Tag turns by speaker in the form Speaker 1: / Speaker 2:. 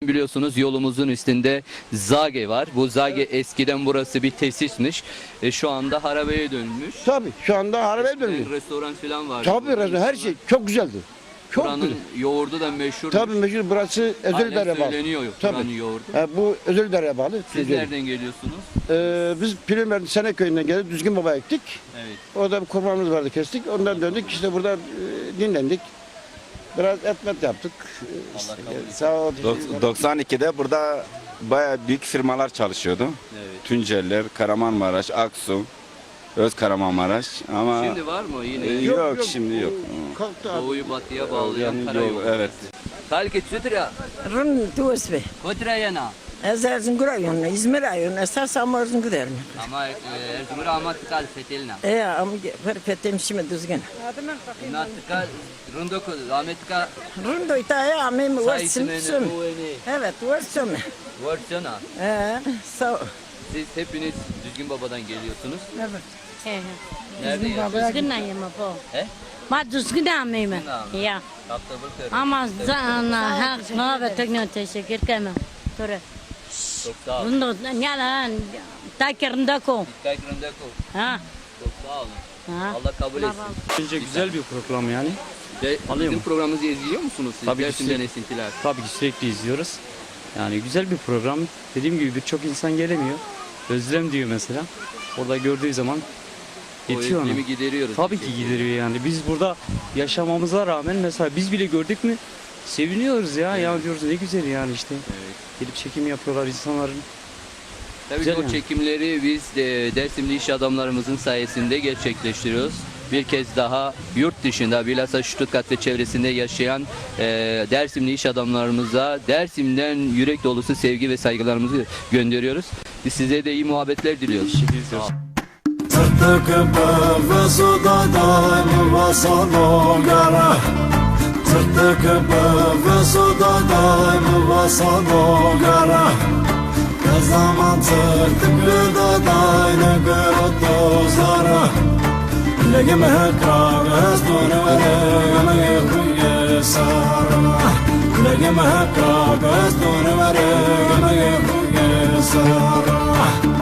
Speaker 1: Biliyorsunuz yolumuzun üstünde Zage var. Bu Zage eskiden burası bir tesismiş. Şu anda harabeye dönmüş.
Speaker 2: Tabii şu anda harabeye dönüyor.
Speaker 1: Restoran falan var.
Speaker 2: Tabii her şey çok güzeldi. Çok
Speaker 1: Buranın
Speaker 2: güzel.
Speaker 1: yoğurdu da meşhur.
Speaker 2: Tabii meşhur burası özel idareye bağlı.
Speaker 1: Söyleniyor
Speaker 2: Tabii.
Speaker 1: buranın yoğurdu.
Speaker 2: Bu özel idareye bağlı.
Speaker 1: Siz
Speaker 2: Tunceli.
Speaker 1: nereden geliyorsunuz?
Speaker 2: Biz Pülümer'in Sene köyünden gelip Düzgün Baba'ya gittik.
Speaker 1: Evet.
Speaker 2: Orada bir kurbanımız vardı, kestik. Ondan döndük. İşte burada dinlendik. Biraz etmet yaptık.
Speaker 1: Allah kabul etsin.
Speaker 2: Sağ ol.
Speaker 3: 92'de burada bayağı büyük firmalar çalışıyordu.
Speaker 1: Evet.
Speaker 3: Tunceller, Kahramanmaraş, Aksu, Özkahramanmaraş ama
Speaker 1: Şimdi var mı yine?
Speaker 3: yok, şimdi yok.
Speaker 2: Kalktı abi.
Speaker 1: Doğuyu batıya bağlayan
Speaker 3: Yani
Speaker 1: karayolu.
Speaker 3: yok, evet.
Speaker 1: Kalket sütüra.
Speaker 4: Rın tuğusbe.
Speaker 1: Kotra yana.
Speaker 4: Ezerzin gurayın, İzmir ayın, esas amazın güderin.
Speaker 1: Ama Erzurum ama tıkal fetelina.
Speaker 4: Ama perfettim şimdi düzgün.
Speaker 1: İna tıkal rındoko Ahmet tıkal
Speaker 4: Rın doytaya amim varsın
Speaker 1: sayısını
Speaker 4: süm. Evet varsın.
Speaker 1: Varsana.
Speaker 4: Sağ ol.
Speaker 1: Siz hepiniz Düzgün Baba'dan geliyorsunuz.
Speaker 4: Evet.
Speaker 1: Nerede yaşıyorsunuz?
Speaker 5: Düzgün ayım bu.
Speaker 1: He?
Speaker 5: Ma düzgün ayım.
Speaker 1: Düzgün ayım.
Speaker 5: Ya.
Speaker 1: Hafta bakıyorum.
Speaker 5: Ama zana ha ve tekno teşekkür ederim. Tore.
Speaker 1: Çok sağ olun.
Speaker 5: Rundo nyala takirinde ko.
Speaker 1: Dikkat rındoko.
Speaker 5: Ha.
Speaker 1: Çok sağ olun.
Speaker 5: Ha.
Speaker 1: Allah kabul etsin.
Speaker 6: Bence güzel bir program yani.
Speaker 1: Bizim programımızı izliyor musunuz siz?
Speaker 6: Tabii ki
Speaker 1: Dersimden esintiler.
Speaker 6: Tabii ki sürekli izliyoruz. Yani güzel bir program. Dediğim gibi birçok insan gelemiyor. Özlem diyor mesela. Orada gördüğü zaman
Speaker 1: O
Speaker 6: yetiyor ona.
Speaker 1: özlemi gideriyoruz.
Speaker 6: Tabii ki gideriyor yani. Biz burada yaşamamıza rağmen mesela biz bile gördük mü seviniyoruz ya. Ya diyoruz ne güzel yani işte.
Speaker 1: Evet.
Speaker 6: Gelip çekim yapıyorlar insanların.
Speaker 1: Tabii
Speaker 6: Güzel
Speaker 1: ki o
Speaker 6: yani.
Speaker 1: çekimleri biz de Dersimli iş adamlarımızın sayesinde gerçekleştiriyoruz. Bir kez daha yurt dışında bilhassa Stuttgart ve çevresinde yaşayan Dersimli iş adamlarımıza Dersim'den yürek dolusu sevgi ve saygılarımızı gönderiyoruz. Biz size de iyi muhabbetler diliyoruz. Sağ olun.
Speaker 7: Tırtık ve suda daim vasano gara. Tırtık ve suda daim vasano gara. Ne zaman tırtık da daim gırıttı zara. Legim hekra gözdür ve legim hekruye sara. Legim hekra gözdür ve legim hekruye sara.